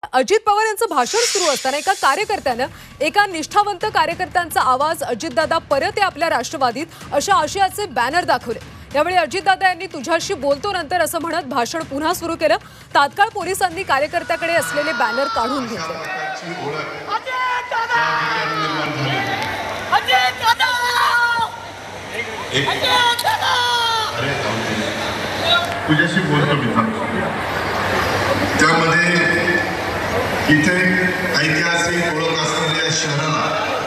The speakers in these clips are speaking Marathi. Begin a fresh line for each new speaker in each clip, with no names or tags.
अजित पवार यांचं भाषण सुरू असताना एका कार्यकर्त्यानं एका निष्ठावंत कार्यकर्त्यांचा आवाज अजितदादा परत या आपल्या राष्ट्रवादीत अशा आशयाचे बॅनर दाखवले। यावेळी अजितदादा यांनी तुझ्याशी बोलतो नंतर असं म्हणत भाषण पुन्हा सुरू केलं। तात्काळ पोलिसांनी कार्यकर्त्याकडे असलेले बॅनर काढून घेतले।
तुझ्याशी बोलतो मी त्यामध्ये इथे ऐतिहासिक ओळख असलेल्या शहराला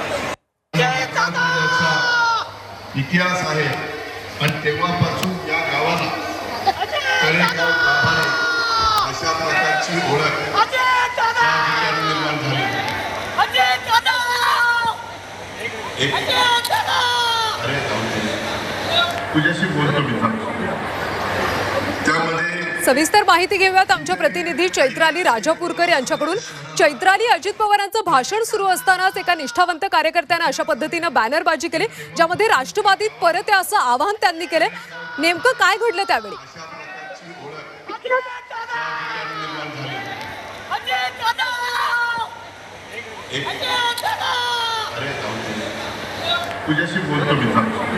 इतिहास आहे आणि तेव्हापासून या गावाला तळेगाव गाभारे अशा प्रकारची ओळख निर्माण झाली। तुझ्याशी बोलतो मी त्यामध्ये
सविस्तर माहिती घेऊयात आमच्या प्रतिनिधी चैत्राली राजापूरकर यांच्याकडून। चैत्राली, अजित पवारांचं भाषण सुरू असतानाच एका निष्ठावंत कार्यकर्त्याने अशा पद्धतीनं बॅनरबाजी केली, ज्यामध्ये राष्ट्रवादीत परत या असं आवाहन त्यांनी केलं। नेमकं काय घडलं त्यावेळी?
तुझ्याशी बोलतो मी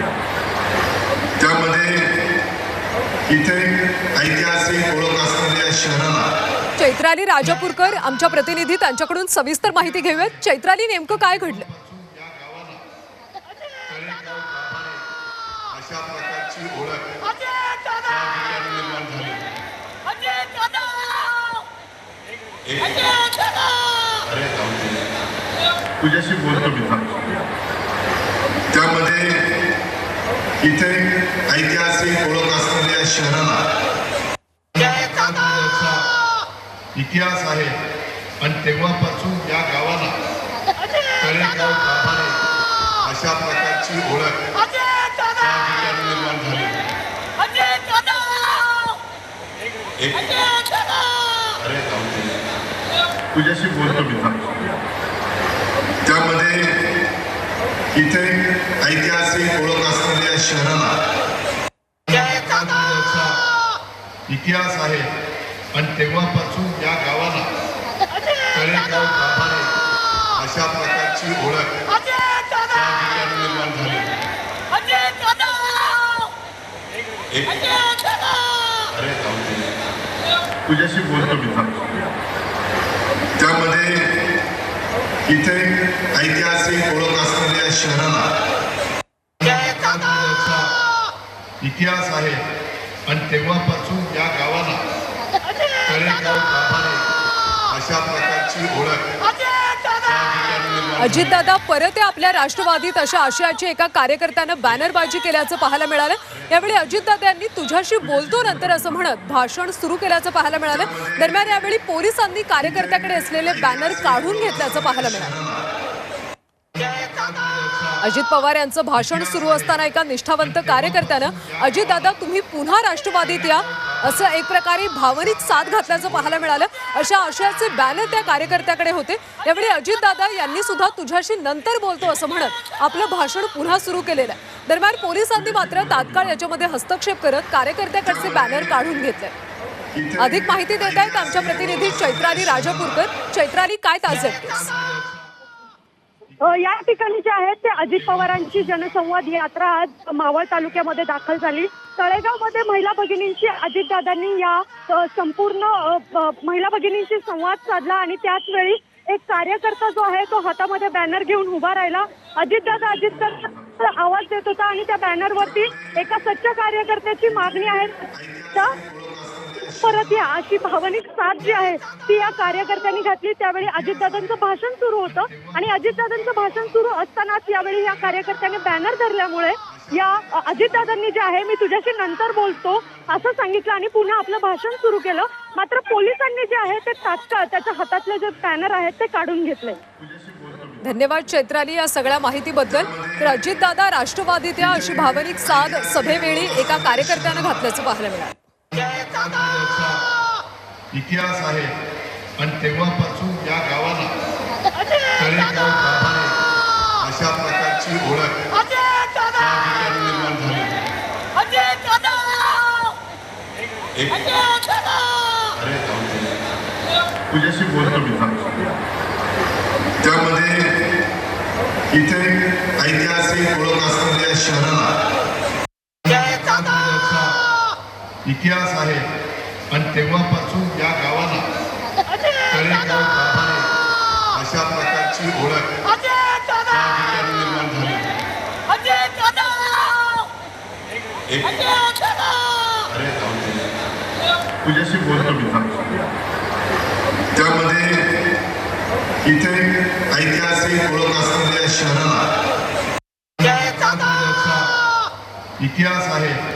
त्यामध्ये इथे ऐतिहासिक ओळख असलेल्या शहराला
चैत्राली राजापूरकर आमच्या प्रतिनिधी त्यांच्याकडून सविस्तर माहिती घेऊयात। चैत्राली, नेमकं काय घडलं?
अशा प्रकारची ओळख निर्माण झाली। तुझ्याशी बोलतो मी त्यामध्ये इथे ऐतिहासिक ओळख असलेल्या शहराला इतिहास आहे आणि तेव्हापासून या गावाला तळेगाव गाभारे अशा प्रकारची ओळख निर्माण झाली। तुझ्याशी बोलतो मी त्यामध्ये इथे ऐतिहासिक ओळख असलेल्या शहराला इतिहास आहे आणि तेव्हापासून या गावाला तळेगाव गाभारे अशा प्रकारची ओळख निर्माण झाली। तुझ्याशी बोलतो मी त्यामध्ये इथे ऐतिहासिक ओळख असलेल्या शहराला इतिहास आहे आणि तेव्हापासून या गावाला तळेगाव गाभारे अशा प्रकारची ओळख
अजितदादा परत या आपल्या राष्ट्रवादीत अशा आशयाची एका कार्यकर्त्यानं बॅनरबाजी केल्याचं पाहायला मिळालं। यावेळी अजितदादा यांनी तुझ्याशी बोलतो नंतर असं म्हणत भाषण सुरू केल्याचं पाहायला मिळालं। दरम्यान यावेळी पोलिसांनी कार्यकर्त्याकडे असलेले बॅनर काढून घेतल्याचं पाहायला मिळालं। अजित पवार यांचं भाषण सुरू असताना एका निष्ठावंत कार्यकर्त्यानं अजितदादा तुम्ही पुन्हा राष्ट्रवादीत या असं एक प्रकारे भावनिक साथ घातल्याचं पाहायला मिळालं। अशा आशयाचे बॅनर त्या कार्यकर्त्याकडे होते। यावेळी अजितदादा यांनी सुद्धा तुझ्याशी नंतर बोलतो असं म्हणत आपलं भाषण पुन्हा सुरू केलेलं आहे। दरम्यान पोलिसांनी मात्र तात्काळ याच्यामध्ये हस्तक्षेप करत कार्यकर्त्याकडचे बॅनर काढून घेतले। अधिक माहिती देत आहेत आमच्या प्रतिनिधी चैत्राली राजापूरकर। चैत्राली, काय ताजे अपडेट्स?
या ठिकाणी जे आहेत ते अजित पवारांची जनसंवाद यात्रा आज मावळ तालुक्यामध्ये दाखल झाली। तळेगावमध्ये महिला भगिनींची अजितदादांनी या संपूर्ण महिला भगिनींशी संवाद साधला आणि त्याच वेळी एक कार्यकर्ता जो आहे तो हातामध्ये बॅनर घेऊन उभा राहिला। अजितदादा आवाज देत होता आणि त्या बॅनरवरती एका सच्चा कार्यकर्त्याची मागणी आहे परत या अशी भावनिक साथ जी आहे ती या कार्यकर्त्यांनी घातली। त्यावेळी अजितदादांचं भाषण सुरू होतं आणि अजितदादांचं भाषण सुरू असतानाच यावेळी या कार्यकर्त्याने बॅनर धरल्यामुळे या अजितदादांनी जे आहे मी तुझ्याशी नंतर बोलतो असं सांगितलं आणि पुन्हा आपलं भाषण सुरू केलं। मात्र पोलिसांनी जे आहे ते तात्काळ त्याच्या हातातले जे बॅनर आहेत ते काढून घेतले।
धन्यवाद चैत्राली या सगळ्या माहितीबद्दल। तर अजितदादा राष्ट्रवादीत या अशी भावनिक साथ सभेवेळी एका कार्यकर्त्यानं घातल्याचं पाहायला मिळालं।
इतिहास आहे आणि तेव्हापासून या गावाला तळेगाव गाभारे अशा प्रकारची ओळख निर्माण झाली। तुझ्याशी बोलतो मी सांगतो. त्यामध्ये इथे ऐतिहासिक ओळख असलेल्या शहराला इतिहास आहे आणि तेव्हापासून या गावाला तळेगाव गाभारे अशा प्रकारची ओळख त्या ठिकाणी निर्माण झाली. अरे तुझ्याशी बोलतो मी सांगतो. त्यामध्ये इथे ऐतिहासिक ओळख असलेल्या शहराला इतिहास आहे